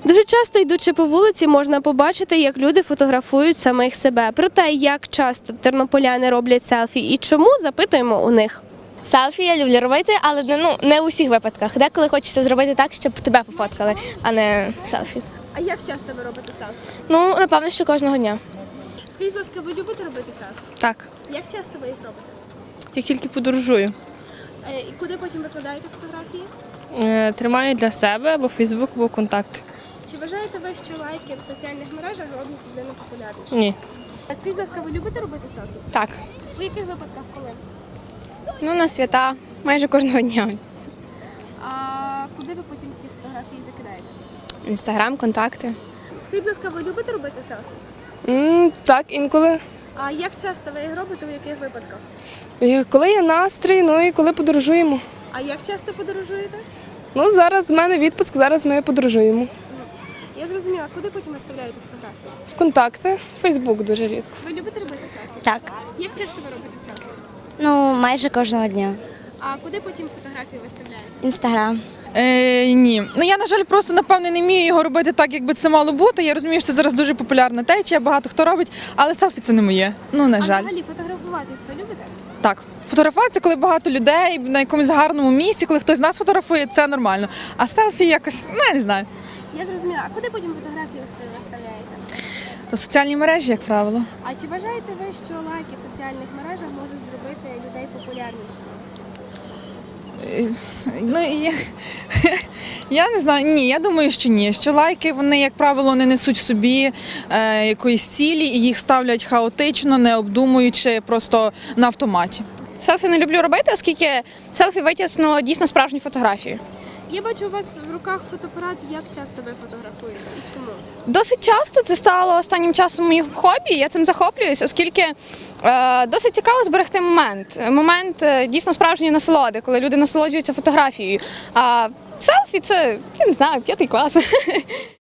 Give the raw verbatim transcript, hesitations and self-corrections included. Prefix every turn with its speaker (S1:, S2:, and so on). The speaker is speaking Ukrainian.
S1: Дуже часто, йдучи по вулиці, можна побачити, як люди фотографують самих себе. Про те, як часто тернополяни роблять селфі і чому, запитуємо у них.
S2: Селфі я люблю робити, але ну, не у всіх випадках. Деколи хочеться зробити так, щоб тебе пофоткали, а не селфі.
S1: А як часто ви робите селфі?
S2: Ну, напевно, що кожного дня.
S1: Скажіть, будь ласка, ви любите робити селфі?
S3: Так,
S1: Як часто ви їх робите?
S3: я тільки подорожую.
S1: Е, І куди потім викладаєте фотографії?
S3: Е, Тримаю для себе або Фейсбук, або ВКонтакт.
S1: Чи вважаєте ви, що лайки в соціальних мережах роблять людину популярніше?
S3: Ні.
S1: А скажіть, будь ласка, ви любите робити селфі?
S4: Так.
S1: У яких випадках коли?
S4: Ну, на свята майже кожного дня.
S1: А куди ви потім ці фотографії закидаєте?
S4: Інстаграм, контакти.
S1: Скажіть, будь ласка, ви любите робити селфі?
S3: М, так, інколи.
S1: А як часто ви їх робите, у яких випадках?
S3: І коли є настрій, ну і коли подорожуємо.
S1: А як часто подорожуєте?
S3: Ну, зараз в мене відпуск, зараз ми подорожуємо.
S1: Я зрозуміла, куди потім виставляєте фотографії?
S3: ВКонтакти, Фейсбук дуже рідко.
S1: Ви любите робити селфі?
S5: Так,
S1: Як часто ви робите селфі?
S5: ну майже кожного дня.
S1: А куди потім фотографії виставляєте?
S5: Інстаграм.
S6: Е, ні. Ну я, на жаль, просто напевне не вмію його робити так, як би це мало бути. Я розумію, що це зараз дуже популярна течія, багато хто робить, але селфі це не моє. Ну, на
S1: А
S6: жаль.
S1: взагалі фотографуватись ви любите?
S6: Так. Фотографуватися, коли багато людей на якомусь гарному місці, коли хтось з нас фотографує, це нормально. А селфі якось, ну я не знаю.
S1: Я зрозуміла. А куди потім фотографії свої виставляєте?
S6: В соціальній мережі, як правило.
S1: А чи вважаєте ви, що лайки в соціальних мережах можуть зробити людей популярнішими?
S6: Е, Ну, я, я не знаю, ні, я думаю, що ні. Що лайки, вони, як правило, не несуть в собі е, якоїсь цілі і їх ставлять хаотично, не обдумуючи, просто на автоматі.
S4: Селфі не люблю робити, оскільки селфі витіснуло дійсно справжні фотографії.
S1: Я бачу у вас в руках фотоапарат. Як часто ви фотографуєте і чому?
S4: Досить часто це стало останнім часом моїм хобі, я цим захоплююсь, оскільки е, досить цікаво зберегти момент. Момент е, дійсно справжньої насолоди, коли люди насолоджуються фотографією. А селфі це, я не знаю, п'ятий клас.